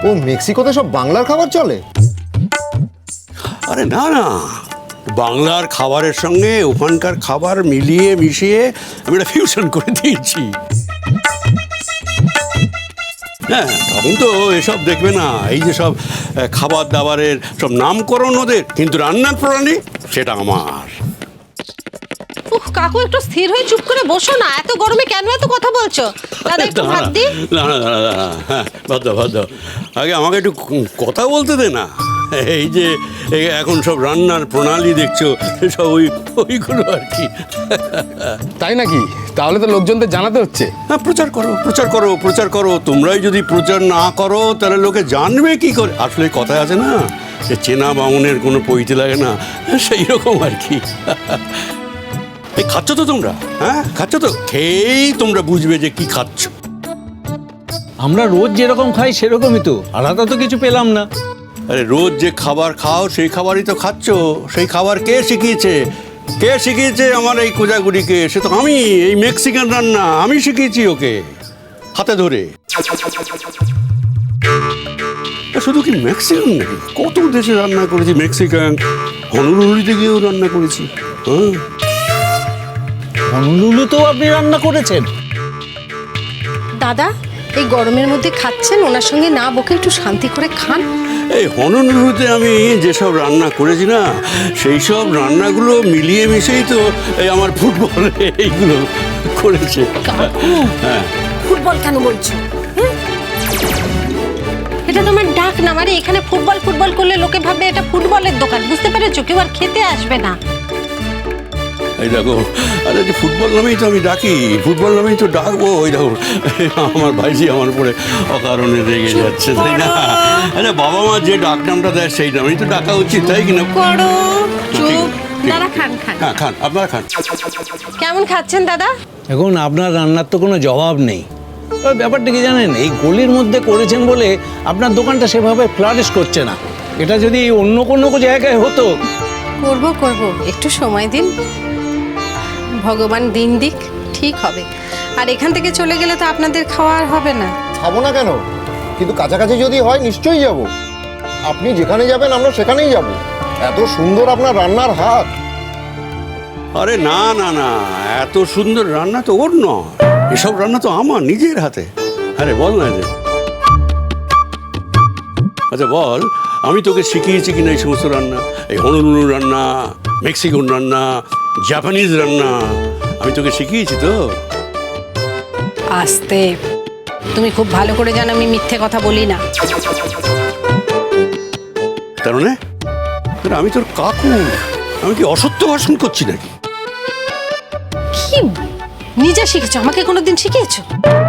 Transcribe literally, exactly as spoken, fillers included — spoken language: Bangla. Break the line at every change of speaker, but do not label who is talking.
ও মেক্সিকোতে সব বাংলার খাবার চলে?
আরে না না, বাংলার খাবারের সঙ্গে ওখানকার খাবার মিলিয়ে মিশিয়ে আমি একটা ফিউশন করে দিয়েছি। হ্যাঁ, তখন তো এসব দেখবে না, এই যে সব খাবার দাবারের সব নামকরণ ওদের, কিন্তু রান্নার প্রণালী সেটা আমার।
উহ কাকু, একটু স্থির হয়ে চুপ করে বসো না, এত গরমে কেন এত কথা বলছো? দাদা একটু ভাত দি।
না না না না, হ্যাঁ ভাত দাও ভাত দাও, আগে আমাকে একটু কথা বলতে দে না। এই যে এই এখন সব রান্নার প্রণালী দেখছো, সব ওই ওইগুলো আর কি।
তাই নাকি? তাহলে তো লোকজনদের জানাতে হচ্ছে।
হ্যাঁ, প্রচার করো প্রচার করো প্রচার করো। তোমরাই যদি প্রচার না করো তাহলে লোকে জানবে কি করে? আসলে কথায় আছে না যে চেনা বামুনের কোনো পইতে লাগে না, সেই রকম আর কি। এই খাচ্ছ তো তোমরা? হ্যাঁ খাচ্ছ তো? খেয়েই তোমরা বুঝবে যে কি খাচ্ছ।
আমরা রোজ যেরকম খাই সেরকমই তো, আলাদা তো কিছু পেলাম না।
আরে রোজ যে খাবার খাও সেই খাবারই তো খাচ্ছ। সেই খাবার কে শিখিয়েছে? কে শিখিয়েছে আমার এই কোজাগুড়িকে? সে তো আমি, এই মেক্সিকান রান্না আমি শিখিয়েছি ওকে হাতে ধরে। শুধু কি মেক্সিকান নাকি, কত দেশে রান্না করেছি। মেক্সিকান হনুলুলিতে গিয়েও রান্না করেছি। হ্যাঁ,
হনুলুলু তো আপনি রান্না করেছেন?
দাদা এই গরমের মধ্যে খাচ্ছেন, ওনার সঙ্গে না বকে একটু শান্তি করে খান।
এই হনুলুলুতে আমি যেসব রান্না করেছি না, সেই সব রান্নাগুলো মিলিয়ে মিশেই তো এই আমার ফুটবল এইগুলো করেছে। হ্যাঁ,
ফুটবল কেন বলছো? হ্যাঁ? এটা তোমার ডাক না, মানে এখানে ফুটবল ফুটবল করলে লোকে ভাববে এটা ফুটবলের দোকান, বুঝতে পেরেছো? কেউ আর খেতে আসবে না।
এই দেখো, আরে যে ফুটবল নামেই তো আমি ডাকি, ফুটবল নামেই তো ডাকবো। ওই দেখো আমার ভাইজি আমার উপরে অকারণে রেগে যাচ্ছে, তাই না? আরে বাবা মা যে ডাক নামটা দেয় সেই নামেই তো ডাকা উচিত, তাই কিনা?
করো চুপ, দাদা খান খান।
হ্যাঁ খান, আপনারা খান।
কেমন খাচ্ছেন দাদা?
এখন আপনার রান্নার তো কোনো জবাব নেই। তবে ব্যাপারটা কি জানেন, এই গলির মধ্যে করেছেন বলে আপনার দোকানটা সেভাবে ফ্লারিশ করছে না। এটা যদি অন্য কোনো জায়গায় হতো।
করব করব, একটু সময় দিন, ভগবান দিন দিক, ঠিক হবে। আর এখান থেকে চলে গেলে তো আপনাদের খাওয়া আর হবে না।
খাবো না কেন, কিন্তু কাছাকাছি যদি হয় নিশ্চয়ই যাব। আপনি যেখানে যাবেন আমরা সেখানেই যাব। এত সুন্দর আপনার রান্নার হাত।
আরে না না না, এত সুন্দর রান্না তো ওর নয়, এসব রান্না তো আমার নিজের হাতে। আরে বল না যে, আচ্ছা বল, আমি তোকে শিখিয়েছি কিনা এই সমস্ত রান্না? এই হনুলুলু রান্না, মেক্সিকান রান্না, জাপানিজ রান্না আমি তোকে শিখিয়েছি তো।
আস্তে, তুমি খুব ভালো করে জানো আমি মিথ্যে কথা বলি না।
তার মানে আমি তোর কাকু, আমি কি অসত্য ভাষণ করছি নাকি?
কি নিজে শিখেছো? আমাকে কোনোদিন শিখিয়েছো?